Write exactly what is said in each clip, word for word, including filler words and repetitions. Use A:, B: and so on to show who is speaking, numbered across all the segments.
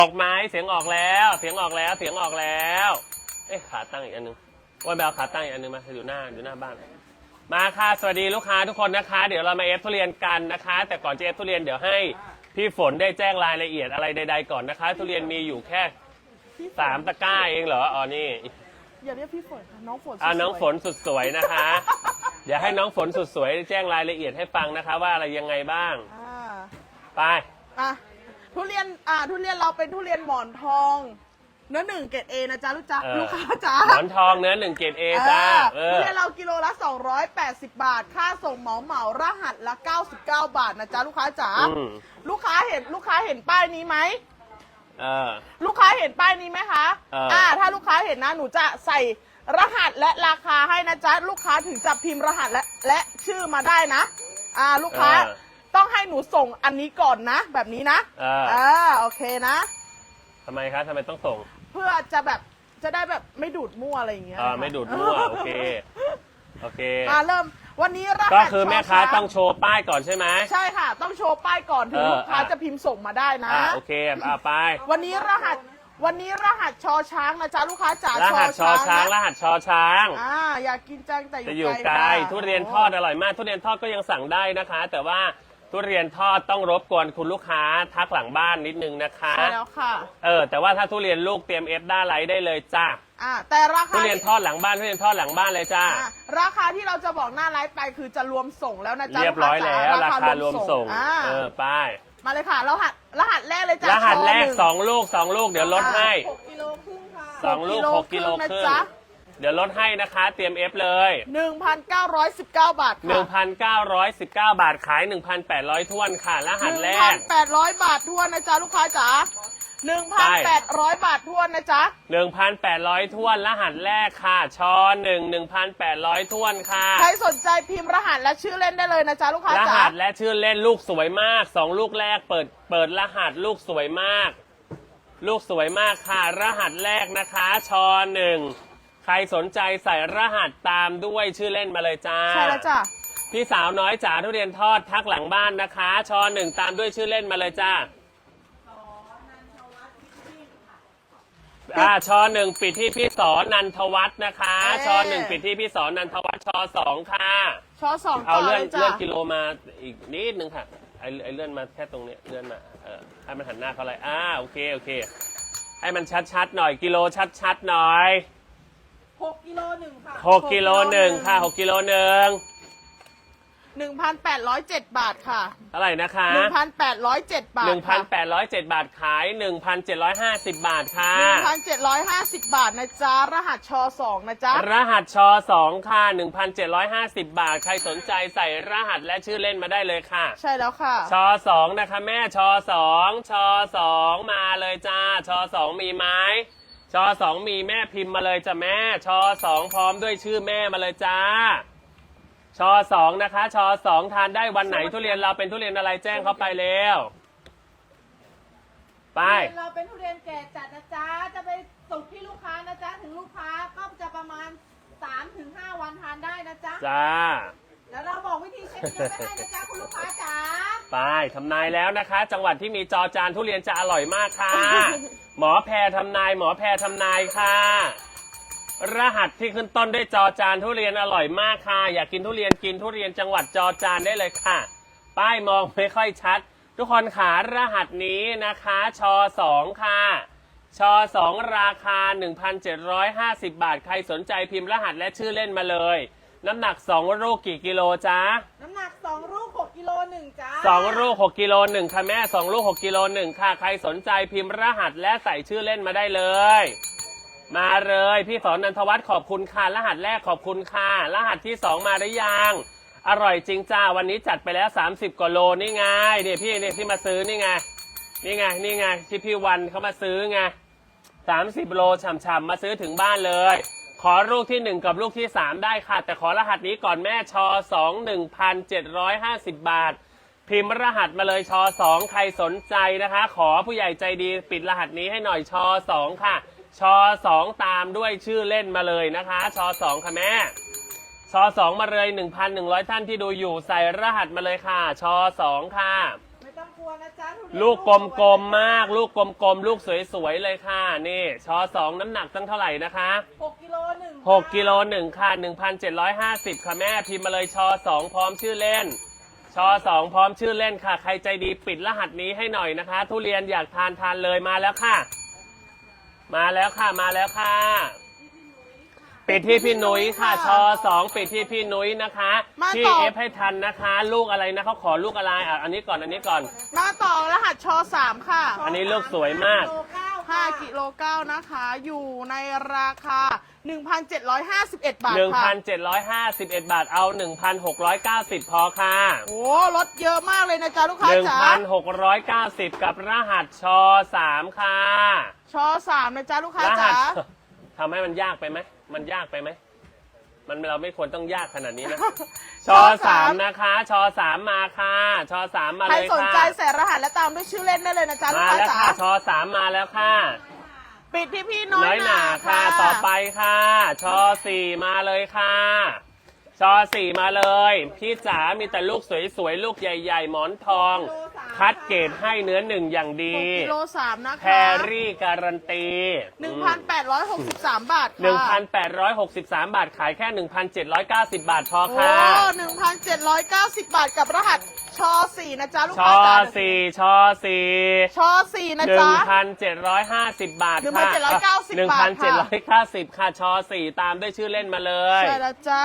A: ออกไหมเสียงออกแล้วเสียงออกแล้วเสียงออกแล้วเอ๊ะขาตั้งอีกอันนึงว่าแบบขาตั้งอีกอันนึงมาอยู่หน้าอยู่หน้าบ้านมาค่ะสวัสดีลูกค้าทุกคนนะคะเดี๋ยวเรามาเอฟทุเรียนกันนะคะแต่ก่อนจะเอฟทุเรียนเดี๋ยวให้พี่ฝนได้แจ้งรายละเอียดอะไรใดๆก่อนนะคะทุเรียนมีอยู่แค่สามตะกร้าเองเหรออ๋อนี่
B: อย่าเรียกพี่ฝนน้องฝน
A: อ่าน้องฝนสุดสวยนะคะเดี๋ยวให้น้องฝนสุดสวยแจ้งรายละเอียดให้ฟังนะคะว่าอะไรยังไงบ้างไป
B: อ่ะทุเรียนอ่าทุเรียนเราเป็นทุเรียนหมอนทองเนื้อหนึ่งเกรดเอนะจ๊ะลูกจ้าลูกค้าจ้า
A: หมอนทองเนื้อหนึ่งเกรดเอจ้า
B: ทุเรียนเรากิโลละสองร้อยแปดสิบบาทค่าส่งเหมาเหมารหัสละเก้าสิบเก้าบาทนะจ๊ะลูกค้าจ๋าลูกค้าเห็นลูกค้าเห็นป้ายนี้ไหมลูกค้าเห็นป้ายนี้ไหมคะอ่าถ้าลูกค้าเห็นนะหนูจะใส่รหัสและราคาให้นะจ๊ะลูกค้าถึงจะพิมพ์รหัสและและชื่อมาได้นะอ่าลูกค้าต้องให้หนูส่งอันนี้ก่อนนะแบบนี้นะอ่าโอเคนะ
A: ทำไมคะทำไมต้องส่ง
B: เพื่อจะแบบจะได้แบบไม่ดูดมั่วอะไรอย่างเงี้ย
A: อ่าไม่ดูดมั่วโอเคโอเค
B: มาเริ่มวันนี้รหัส
A: ก็คือแม่ค้าต้องโชว์ป้ายก่อนใช่ไหม
B: ใช่ค่ะต้องโชว์ป้ายก่อนถึงลูกค้าจะพิมพ์ส่งมาได้นะ
A: โอเคอ่าไป
B: วันนี้รหัสวันนี้รหัสชอช้างนะจ๊ะลูกค้าจ๋าร
A: หัสชอช้างรหัสชอช้าง
B: อ่าอยากกินจังแต่
A: อยู่ไกลทุเรียนทอดอร่อยมากทุเรียนทอดก็ยังสั่งได้นะคะ แต่ว่าทุเรียนทอดต้องรบกวนคุณลูกค้าทักหลังบ้านนิดนึงนะคะ
B: ใช่แล้วค่ะ
A: เออแต่ว่าถ้าทุเรียนลูกเตรียมเอฟด้าไลท์ได้เลยจ้า
B: อ่าแต่ราคา
A: ทุเรียนทอดหลังบ้านทุเรียนทอดหลังบ้านเลยจ้า
B: ราคาที่เราจะบอกหน้าไลฟ์ไปคือจะรวมส่งแล้วนะจ๊ะ
A: เรียบร้อยแล้วราคารวมส่งเออไป
B: มาเลยค่ะรหัสรหัสแรกเลยจ้าร
A: หัสแรกสองลูกสองลูกเดี๋ยวลดให้
B: หกกิโลครึ่งค่ะ
A: สองลูกหกกิโลครึ่งเดี๋ยวลดให้นะคะเตรียมเอฟเลย
B: หนึ่งพันเก้าร้อยสิบเก้า บาทค่ะ
A: หนึ่งพันเก้าร้อยสิบเก้า บาทขาย หนึ่งพันแปดร้อยถ้วนค่ะรหัสแรก
B: หนึ่งพันแปดร้อย บาททวนนะจ๊ะลูกค้าจ๋า หนึ่งพันแปดร้อย บาททวนนะจ๊ะ
A: หนึ่งพันแปดร้อยถ้วนรหัสแรกค่ะชอหนึ่ง หนึ่งพันแปดร้อยถ้วนค่ะ
B: ใครสนใจพิมพ์รหัสและชื่อเล่นได้เลยนะจ๊ะลูกค้าจ๋าร
A: หัสและชื่อเล่นลูกสวยมากสองลูกแรกเปิดเปิดรหัสลูกสวยมากลูกสวยมากค่ะรหัสแรกนะคะชอหนึ่งใครสนใจใส่รหัสตามด้วยชื่อเล่นมาเลยจ้า
B: ใช่แล้วจ้ะ
A: พี่สาวน้อยจ๋าทุเรียนทอดทักหลังบ้านนะคะชอหนึ่งตามด้วยชื่อเล่นมาเลยจ้าอ่าชอหนึ่งปิดที่พี่สอนันทวัฒน์นะคะชอหนึ่งปิดที่พี่สอนันทวัฒน์ชอสองค่ะ
B: ชอสอง
A: เอาเลื่อนเลื่อนกิโลมาอีกนิดนึงค่ะไอไอเลื่อนมาแค่ตรงนี้เลื่อนมาเออให้มันหันหน้าเขาเลยอ่าโอเคโอเคให้มันชัดๆหน่อยกิโลชัดๆหน่อย
B: หกกิโลหนึ่งค่ะ
A: หกกิโลหนึ่งค่ะหกกิโลหนึ่ง
B: หนึ่งพันแปดร้อยเจ็ดบาทค่ะ
A: เท่าไหร่นะคะ
B: หนึ่งพันแปดร้อยเจ็ดบาท
A: หนึ่งพันแปดร้อยเจ็ดบาทขายหนึ่งพันเจ็ดร้อยห้าสิบบาทค่ะ
B: หนึ่งพันเจ็ดร้อยห้าสิบบาทนะจ๊ะรหัสชอสองนะจ๊ะ
A: รหัสชอสองค่ะหนึ่งพันเจ็ดร้อยห้าสิบบาทใครสนใจใส่รหัสและชื่อเล่นมาได้เลยค่ะ
B: ใช่แล้วค่ะ
A: ชอสองนะคะแม่ชอสองชอสองมาเลยจ้าชอสองมีไหมชอสองมีแม่พิมพ์มาเลยจ้ะแม่ชอสองพร้อมด้วยชื่อแม่มาเลยจ้าชอสองนะคะชอสองทานได้วันไหนทุเรียนเราเป็นทุเรียนอะไรแจ้งเขาไปเร็วไป
B: เราเป็นทุเรียนแก่จัดนะจ๊ะจะไปส่งที่ลูกค้านะจ๊ะถึงลูกค้าก็จะประมาณ สามถึงห้า วันทานได้นะจ๊ะ
A: จ้า
B: แล้วเราบอกวิธีเช็คเนื้อไปให้นะจ๊ะคุณลูกค้าจ๋า
A: ไปทำนายแล้วนะคะจังหวัดที่มีจอจานทุเรียนจะอร่อยมากค่ะหมอแพรทำนายหมอแพรทำนายค่ะรหัสที่ขึ้นต้นด้วยจอจานทุเรียนอร่อยมากค่ะอยากกินทุเรียนกินทุเรียนจังหวัดจอจานได้เลยค่ะป้ายมองไม่ค่อยชัดทุกคนขารหัสนี้นะคะชอสองค่ะชอสองราคา หนึ่งพันเจ็ดร้อยห้าสิบบาทใครสนใจพิมพ์รหัสและชื่อเล่นมาเลยน้ำหนักสองลูกกี่กิโลจ๊ะ
B: น้ำหนักสองลูกหกกิโลหนึ่งจ้า
A: สองลูกหกกิโลหนึ่งค่ะแม่สองลูกหกกิโลหนึ่งค่ะใครสนใจพิมพ์รหัสและใส่ชื่อเล่นมาได้เลยมาเลยพี่สอนนันทวัฒน์ขอบคุณค่ะรหัสแรกขอบคุณค่ะรหัสที่สองมาได้ยังอร่อยจริงจ้าวันนี้จัดไปแล้วสามสิบกว่าโลนี่ไงเนี่ยพี่เนี่ยที่มาซื้อนี่ไงนี่ไงนี่ไงที่พี่วันเขามาซื้อไงสามสิบโลฉ่ำๆมาซื้อถึงบ้านเลยขอลูกที่หนึ่งกับลูกที่สามได้ค่ะแต่ขอรหัสนี้ก่อนแม่ชอสอง หนึ่งพันเจ็ดร้อยห้าสิบบาทพิมพ์รหัสมาเลยชอสองใครสนใจนะคะขอผู้ใหญ่ใจดีปิดรหัสนี้ให้หน่อยชอสองค่ะชอสองตามด้วยชื่อเล่นมาเลยนะคะชอสองค่ะแม่ชอสองมาเลย หนึ่งพันหนึ่งร้อย ท่านที่ดูอยู่ใส่รหัสมาเลยค่ะชอสองค่ะไม่ต้องกลัว
C: นะจ๊ะทุเรียน
A: ลูกกลมๆมาก ลูกกลมๆลูกสวยๆเลยค่ะนี่ชอสองน้ำหนักตั้งเท่าไหร่นะคะ
C: หกกิโลหนึ่ง
A: หกกิโลหนึ่งค่ะหนึ่งพันเจ็ดร้อยห้าสิบค่ะแม่พิมพ์มาเลยชอสองพร้อมชื่อเล่นชอสองพร้อมชื่อเล่นค่ะใครใจดีปิดรหัสนี้ให้หน่อยนะคะ ทุเรียนอยากทานทานเลยมาแล้วค่ะ มาแล้วค่ะมาแล้วค่ะปิดที่พี่นุ้ยค่ะชอสองปิดที่พี่นุ้ยนะคะพี่เอฟให้ทันนะคะ ลูกอะไรนะเขาขอลูกอะไรอ่ะอันนี้ก่อนอันนี้ก่อน
B: มาต่อรหัสชอสามค่ะ
A: อันนี้ลูกสวยมาก
C: โลเก้า
B: ห้ากิโลเก้านะคะ อยู่ในราคา หนึ่งพันเจ็ดร้อยห้าสิบเอ็ด บาท
A: หนึ่ง
B: ค่ะ
A: พันเจ็ดร้อยห้าสิบเอ็ด บาทเอา หนึ่งพันหกร้อยเก้าสิบ พอค่ะ
B: โอ้ลดเยอะมากเลยนะจ๊ะลูกค้า
A: หนึ่ง
B: จ๋า
A: พันหกร้อยเก้าสิบ กับรหัสชอสามค่ะ
B: ชอสามนะจ๊ะลูกค้าร
A: หั
B: จ๋า
A: สทำให้มันยากไปไหมมันยากไปไหมมันเราไม่ควรต้องยากขนาดนี้นะ ชอสามนะคะชอสามมาค่ะชอสามมา
B: ใคร
A: เลย
B: สน
A: ค่ะ
B: ใจใส่รหัสและตามด้วยชื่อเล่นได้เลยนะจ๊ะลูก
A: มา
B: ค้า
A: แล้ว
B: จ๋า
A: ค่ะชอสามมาแล้วค่ะ
B: ปิดที่พี่น้อย
A: น้อยหนาค่ะ ต่อไปค่ะชอสี่มาเลยค่ะชอสี่มาเลย พี่จ๋ามีแต่ลูกสวยๆลูกใหญ่ๆหมอนทอง คัดเกรดให้เนื้อหนึ่งอย่างดี
B: หกกิโลสามนะ
A: แพ
B: คะ
A: รรี่การันตี
B: หนึ่งพันแปดร้อยหกสิบสามบาทค่ะ
A: หนึ่งพันแปดร้อยหกสิบสามบาทขายแค่ หนึ่งพันเจ็ดร้อยเก้าสิบ บาทพอ
B: โอ้
A: ค่ะ
B: หนึ่งพันเจ็ดร้อยเก้าสิบบาทกับรหัสชอสี่นะจ๊ะลูก
A: ช
B: ค้า
A: อ
B: จ๋า
A: สี่ชอสี่
B: ชอสี่นะ
A: หนึ่
B: จ๊ะ
A: งพันเจ็ดร้อยห้าสิบบาทค่ะ
B: หนึ่งพันเจ็ดร้อยเก้าสิบ
A: หนึ่งพันเจ็ดร้อยเก้าสิบค่ะชอสี่ตามด้วยชื่อเล่นมาเลย
B: ใช่แล้วจ้า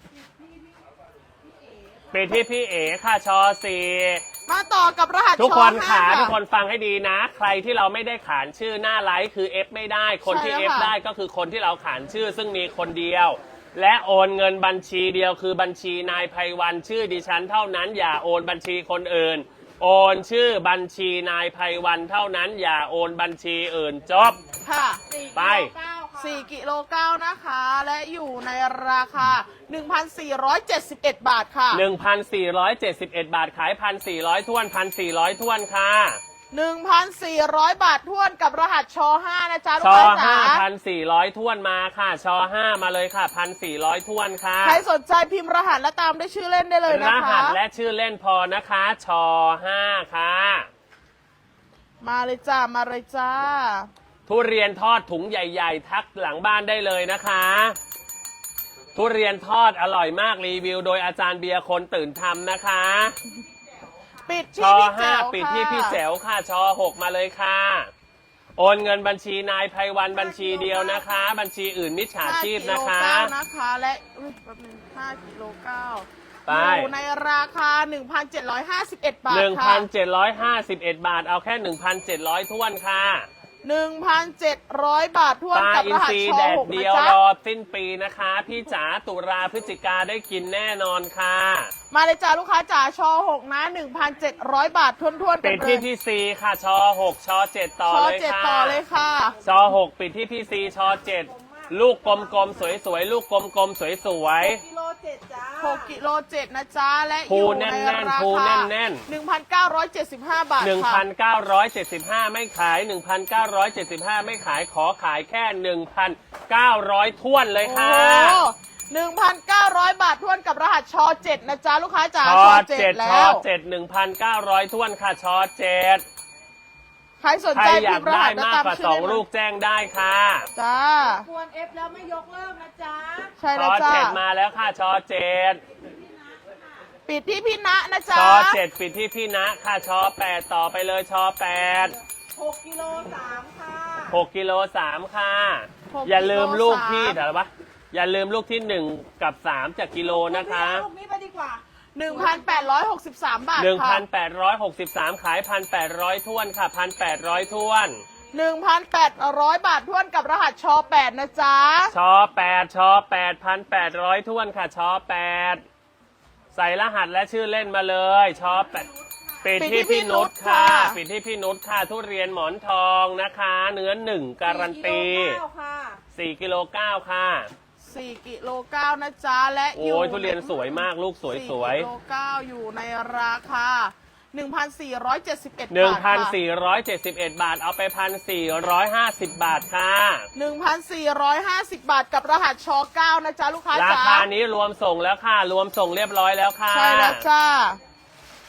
A: ไปที่พี่เอค่ะชอสี่
B: มาต่อกับรหัส
A: ทุก
B: ชอ
A: คน
B: ห้า
A: ขา
B: ค่ะ
A: ทุกคนฟังให้ดีนะ ใครที่เราไม่ได้ขานชื่อหน้าไลฟ์คือ F ไม่ได้ คนที่
B: ใช่แล้ว
A: F
B: ค่ะ
A: ได้ก็คือคนที่เราขานชื่อซึ่งมีคนเดียว และโอนเงินบัญชีเดียวคือบัญชีนายไพวันชื่อดิฉันเท่านั้นอย่าโอนบัญชีคนอื่น โอนชื่อบัญชีนายไพวันเท่านั้นอย่าโอนบัญชีอื่นจบ
B: ค่ะ
A: ไป
B: สี่กิโลเก้านะคะ และอยู่ในราคา หนึ่งพันสี่ร้อยเจ็ดสิบเอ็ด บาทค่ะ
A: หนึ่งพันสี่ร้อยเจ็ดสิบเอ็ด บาทขาย หนึ่งพันสี่ร้อยท้วน หนึ่งพันสี่ร้อยท้วนค่ะ
B: หนึ่งพันสี่ร้อย บาททวนกับรหัสชอห้านะจ๊ะลู
A: ช
B: ก
A: อ
B: ค้าจ๋า
A: ห้าพันสี่ร้อยท้วนมาค่ะชอห้ามาเลยค่ะพันสี่ร้อยท้วนค่ะ
B: ใครสนใจพิมพ์รหัสและตามด้วยชื่อเล่นได้เลย
A: ร
B: นะคะ
A: หัสและชื่อเล่นพอนะคะชอห้าค่ะ
B: มาเลยจ้า มาเลยจ้า
A: ทุเรียนทอดถุงใหญ่ๆ ทักหลังบ้านได้เลยนะคะ ทุเรียนทอดอร่อยมากรีวิว โดยอาจารย์เบียร์คนตื่นทำนะคะ
B: ปิด
A: ช
B: ที่
A: อ
B: พี่
A: ห้า
B: แจ๋ว
A: ปิด
B: ค่ะ
A: ที่พี่แจ๋วค่ะชอหกมาเลยค่ะ โอนเงินบัญชีนายไพวันบัญชีเดียวนะคะ บัญชีอื่นมิจฉาชีพนะคะ
B: ห้ากิโลเก้านะคะ และอุ๊ยแป๊บนึงห้ากิโลเก้า
A: ไป
B: อยู่ในราคา หนึ่งพันเจ็ดร้อยห้าสิบเอ็ด บาท
A: หนึ่ง
B: ค่ะ
A: พันเจ็ดร้อยห้าสิบเอ็ด บาทเอาแค่ หนึ่งพันเจ็ดร้อยท้วนค่ะ
B: หนึ่งพันเจ็ดร้อย บาททวน
A: ปลา
B: กับ
A: อิ
B: ร
A: น
B: หัส
A: ทรี
B: ชอ
A: แดด
B: หก
A: เดี
B: นะ
A: ยว
B: จ๊ะ
A: รอสิ้นปีนะคะ พี่จ๋าตุลาพฤศจิกาได้กินแน่นอนค่ะ
B: มาเลยจ้าลูกค้าจ๋าชอหกนะ หนึ่งพันเจ็ดร้อย บาททวนทวนๆกั
A: ปิ
B: น
A: ด
B: เล
A: ที่
B: ย
A: พี่ซีค่ะชอหกชอเจ็ดต่อ
B: ชอ
A: เลย
B: เจ็ด
A: ค่ะ
B: ต่อเลยค่ะ
A: ชอหกปิดที่พี่ซีชอเจ็ดลูกกลมๆสวยๆลูกกลมๆสวย
C: กิโลเจ็ดจ้า
B: หกกิโลเจ็ดนะจ๊ะ และอ
A: ภู
B: ยู่
A: แน่
B: ใน
A: นๆ
B: รา
A: ภู
B: คา
A: แน่น
B: หนึ่งพันเก้าร้อยเจ็ดสิบห้า บาท
A: ๆหนึ่ง
B: ค่ะ
A: พันเก้าร้อยเจ็ดสิบห้าไม่ขาย หนึ่งพันเก้าร้อยเจ็ดสิบห้าไม่ขายขอขายแค่ หนึ่งพันเก้าร้อยท้วนเลย
B: โอ้
A: ค่ะ
B: หนึ่งพันเก้าร้อย บาททวนกับรหัสชอเจ็ดนะจ๊ะลูกค้าจ๋า
A: ชอ
B: เจ็
A: เจ็
B: ด
A: ด
B: แล้
A: ชอ
B: ว
A: เจ็ดหนึ่งพันเก้าร้อยท้วนค่ะชอเจ็ด
B: ใครสน
A: ใคร
B: ใจ
A: อยา
B: พิ
A: ก
B: มพ์ร
A: ได้
B: หัสและ
A: มาก
B: ตาม
A: กว่า
B: ชื่
A: ส
B: อ
A: อง
B: เล่น
A: ลูกแจ้งได้ค่ะ
B: จ้า
C: ควรเอฟแล้วไม่ยกเลิกนะจ๊ะ
B: ใช่
A: ช
B: แล้ว
A: อ
B: จ้า
A: เจ็ดมาแล้วค่ะชอเจ็ด
B: ปิดที่พี่ณนะ
A: ช
B: จ๊ะ
A: อเจ็ดปิดที่พี่นะค่ะชอแปดต่อไปเลยชอแปด
C: หกกิโลสามค่ะ
A: หกกิโลสามค่ะ
B: หก
A: อย่าลืมลูก
B: กิโลสาม
A: ที่เดี๋ยววะอย่าลืมลูกที่หนึ่งกับสามจากกิโลนะคะ
C: ลูกนี้ไปดีกว่า
B: หนึ่งพันแปดร้อยหกสิบสาม บาท
A: หนึ่ง
B: ค่ะ
A: พันแปดร้อยหกสิบสามขายพันแปดร้อยท้วนค่ะพันแปดร้อยท้วน
B: หนึ่งพันแปดร้อย บาททวนกับรหัสชอแปดนะจ๊ะ
A: ชอแปดชอแปดพันแปดร้อยท้วนค่ะชอแปดใส่รหัสและชื่อเล่นมาเลยชอแปดปิดที่พี่นุชค่ะ ปิดที่พี่นุชค่ะ ทุเรียนหมอนทองนะคะ เนื้อหนึ่งการันตี
C: สี่กิโลเก้าค่ะ
A: สี่กิโลเก้าค่ะ
B: สี่กิโลเก้านะจ๊ะ และอ
A: โอ้
B: ยู่
A: ยทุเรียนสวยมากลูกสวยสวย
B: สี่กิโลเก้าอยู่ในราคา หนึ่งพันสี่ร้อยเจ็ดสิบเอ็ด
A: หนึ่ง
B: บาท
A: พัน
B: ค่ะ
A: สี่ร้อยเจ็ดสิบเอ็ดบาทเอาไปพันสี่ร้อยห้าสิบบาทค่ะ
B: หนึ่งพันสี่ร้อยห้าสิบบาทกับรหัสชอเก้านะจ๊ะลูกค้า
A: รา
B: จ๋า
A: คานี้รวมส่งแล้วค่ะ รวมส่งเรียบร้อยแล้วค่ะ
B: ใช่แล้วจ้า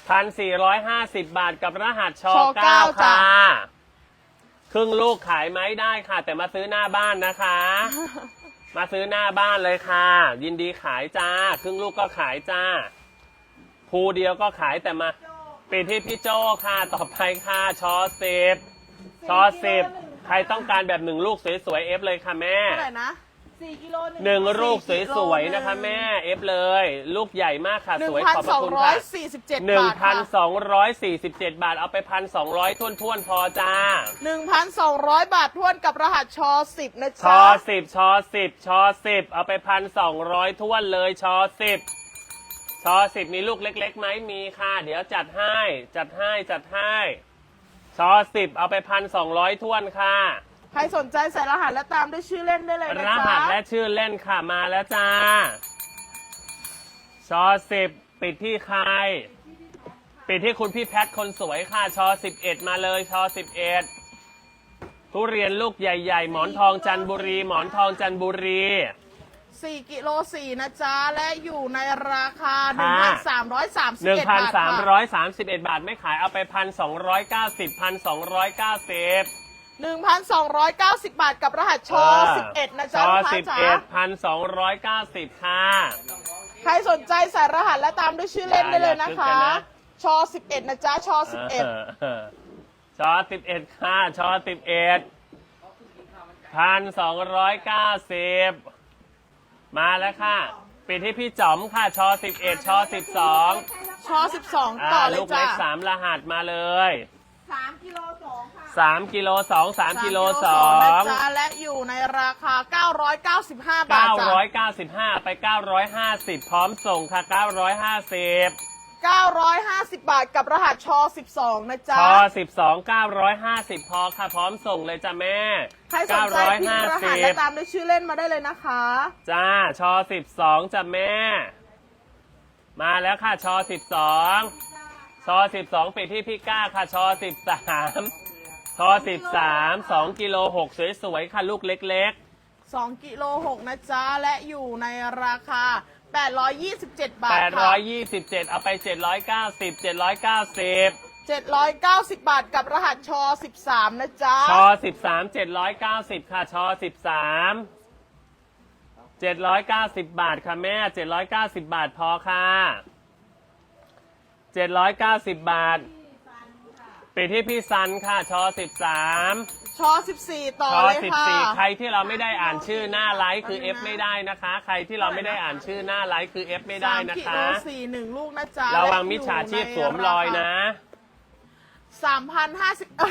A: พันสี่ร้อยห้าสิบบาทกับรหัสช
B: ช
A: เก้า
B: จ้ะ
A: ค่ะ ครึ่งลูกขายไหมได้ค่ะ แต่มาซื้อหน้าบ้านนะคะ มาซื้อหน้าบ้านเลยค่ะ ยินดีขายจ้า ครึ่งลูกก็ขายจ้า ภูเดียวก็ขายแต่มาปิดที่พี่โจค่ะ ต่อไปค่ะชอสิบชอสิบใครต้องการแบบหนึ่งลูกสวยๆเอฟเลยค่ะแม่
B: เท่าไหร่นะ
C: สี่กิโล
A: หนึ่งลูก
B: สี่กิโล
A: สวยๆนะคะแม่เอฟเลย ลูกใหญ่มากค่ะ
B: หนึ่
A: ส
B: ง
A: วย
B: พัน
A: ขอบพ
B: ส
A: ระ
B: อง
A: คุณ
B: ร้อ
A: ค่ะ
B: ยสี่สิบเจ็ด
A: หนึ่ง
B: บาท
A: พันส
B: ค่ะ
A: องร้อยสี่สิบเจ็ดบาทเอาไปพันสองร้อยท่วนท่วนๆพอจ้า
B: หนึ่งพันสองร้อยบาททวนกับรหัสชอสิบนะ
A: ช
B: จ๊ะ
A: อสิบชอสิบชอสิบเอาไปพันสองร้อยท่วนเลยชอสิบชอสิบมีลูกเล็กๆไหมมีค่ะ เดี๋ยวจัดให้จัดให้จัดให้ชอสิบเอาไปพันสองร้อยท่วนค่ะ
B: ใครสนใจใส่รหัสและตามด้วยชื่อเล่นได้เลยนะ
A: ร
B: จ๊ะ
A: หัสและชื่อเล่นค่ะมาแล้วจ้าชอสิบปิดที่ใคร ปิดที่คุณพี่แพทคนสวยค่ะชอสิบเอ็ดมาเลยชอสิบเอ็ดทุเรียนลูกใหญ่ๆ หมอนทองจันทบุรี หมอนทองจันทบุรี
B: สี่กิโลสี่นะจ๊ะ และอยู่ในราคา
A: ค่ะ
B: หนึ่งพันสามร้อยสามสิบ
A: หนึ่ง
B: เอ็ด
A: พัน
B: บาท
A: สาม
B: ค่ะ
A: ร้อยสามสิบเอ็ดบาทไม่ขายเอาไปพันสองร้อยเก้าสิบพันสองร้อยเก้าสิบ
B: หนึ่งพันสองร้อยเก้าสิบบาทกับรหัสชอสิบเอ็ดนะ
A: ช
B: จ๊ะ
A: อ
B: ลูกค้า
A: สิบ
B: จ๋า
A: เอ็ดพันสองร้อยเก้าสิบค่ะ
B: ใครสนใจใส่รหัสและตามด้วยชื่อเล่นได้เลยนะ
A: อย่า
B: คะ
A: อย่าซื้อกันนะ
B: ชอสิบเอ็ดนะจ๊ะชอสิบเอ็ด
A: เออชอสิบเอ็ดค่ะชอสิบเอ็ดพันสองร้อยเก้าสิบมาแล้วค่ะปิดที่พี่จ๋อมค่ะชอสิบเอ็ดชอสิบสอง
B: ชอสิบสองต่อเลย
A: ลูก
B: จ้ะ
A: เล็กสามรหัสมาเลย
C: สามกิโลสองค่ะ
A: สามกิโลสองสามกิโลสอ
B: นะ
A: ง
B: จ๊ะและอยู่ในราคาเก้าร้อยเก้าสิบห้าบาท
A: เก้า
B: จ้ะ
A: ร้อยเก้าสิบห้าไปเก้าร้อยห้าสิบพร้อมส่งค่ะเก้าร้อยห้าสิบ
B: เก้าร้อยห้าสิบบาทกับรหัสชอสิบสองนะจ๊ะ
A: พอสิบสองเก้าร้อยห้าสิบพอค่ะพร้อมส่งเลยจ้ะแม่
B: ใครสนใจพิมพ์รหัสและตามด้วยชื่อเล่นมาได้เลยนะคะ
A: จ้าชอสิบสองจ้ะแม่ มาแล้วค่ะชอสิบสองชอสิบสองปิดที่พี่ก้าค่ะชอสิบสามชอสิบสามสองกิโลหกสวยๆค่ะลูกเล็ก
B: สองกิโลหกนะจ๊ะ และอยู่ในราคาแปดร้อยยี่สิบเจ็ด
A: ๆ
B: บาท
A: แปดร้
B: ค่ะ
A: อยยี่สิบเจ็ดเอาไปเจ็ดร้อยเก้าสิบ เจ็ดร้อยเก้าสิบ
B: เจ็ดร้อยเก้าสิบบาทกับรหัสชอสิบสามนะจ๊ะ
A: ชอสิบสาม เจ็ดร้อยเก้าสิบค่ะชอสิบสามเจ็ดร้อยเก้าสิบบาทค่ะแม่เจ็ดร้อยเก้าสิบบาทพอค่ะเจ็ดร้อยเก้าสิบบาทปิดที่พี่ซันค่ะชอสิบสาม
B: ชอสิบสี่ต่อ
A: ชอ
B: เลย
A: สิบ
B: ค่ะ
A: สี่ใครที่เราไม่ได้อ่านชื่อหน้าไลฟ์คือ F ไม่ได้นะคะ ใครที่เราไม่ได้อ่านชื่อหน้าไลฟ์คือ F ไม่ได้
B: สาม
A: นะ
B: กิ
A: คะ
B: โลสี่หนึ่งลูกนะจ๊ะ
A: ระวังมิจฉาชีพสวมรอยนะ
B: สามพันห้าสิบเอ้